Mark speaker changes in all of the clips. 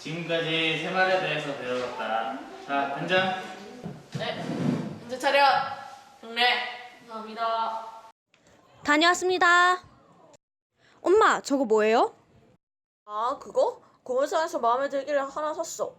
Speaker 1: 지금까지 새말에 대해서 배워봤다. 자, 단장.
Speaker 2: 네, 현재 차렷. 경례. 감사합니다.
Speaker 3: 다녀왔습니다. 엄마, 저거 뭐예요?
Speaker 2: 아, 그거? 고물상에서 마음에 들길래 하나 샀어.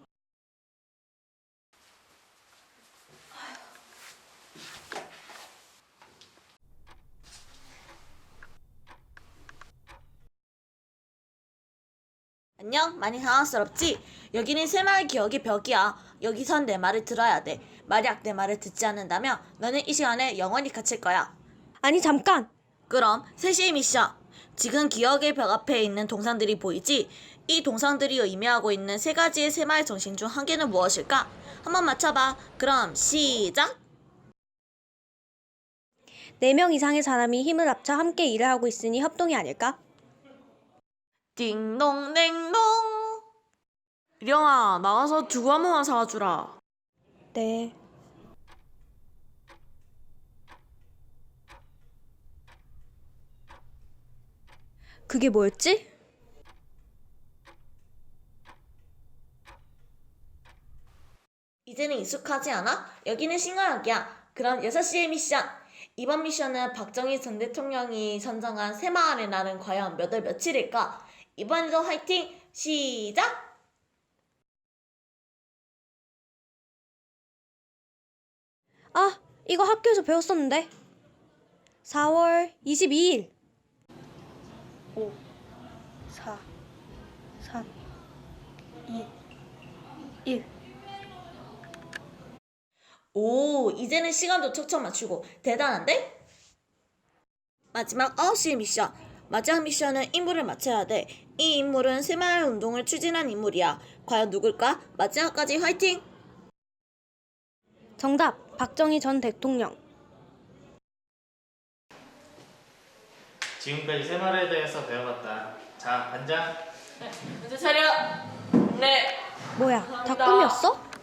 Speaker 2: 안녕? 많이 당황스럽지? 여기는 새마을 기억의 벽이야. 여기선 내 말을 들어야 돼. 만약 내 말을 듣지 않는다면 너는 이 시간에 영원히 갇힐 거야.
Speaker 3: 아니, 잠깐.
Speaker 2: 그럼 3시의 미션. 지금 기억의 벽 앞에 있는 동상들이 보이지? 이 동상들이 의미하고 있는 3가지의 새마을 정신 중 한 개는 무엇일까? 한번 맞춰봐. 그럼 시작!
Speaker 3: 4명 이상의 사람이 힘을 합쳐 함께 일을 하고 있으니 협동이 아닐까?
Speaker 2: 띵동댕동. 일영아, 나가서 두부 한 번만 사와주라.
Speaker 3: 네. 그게 뭐였지?
Speaker 2: 이제는 익숙하지 않아? 여기는 신가역이야. 그럼 6시의 미션. 이번 미션은 박정희 전 대통령이 선정한 새마을의 날은 과연 몇 월 며칠일까? 이번에도 화이팅! 시작!
Speaker 3: 아, 이거 학교에서 배웠었는데. 4월 22일. 5, 4, 3, 2, 1.
Speaker 2: 오, 이제는 시간도 척척 맞추고 대단한데? 마지막 9시의 미션. 마지막 미션은 인물을 맞춰야 돼. 이 인물은 새마을 운동을 추진한 인물이야. 과연 누굴까? 마지막까지 화이팅!
Speaker 3: 정답, 박정희 전 대통령.
Speaker 1: 지금까지 새말에 대해서 배워봤다. 자, 단장.
Speaker 2: 네, 현재 차렷. 네.
Speaker 3: 뭐야, 다 꿈이었어?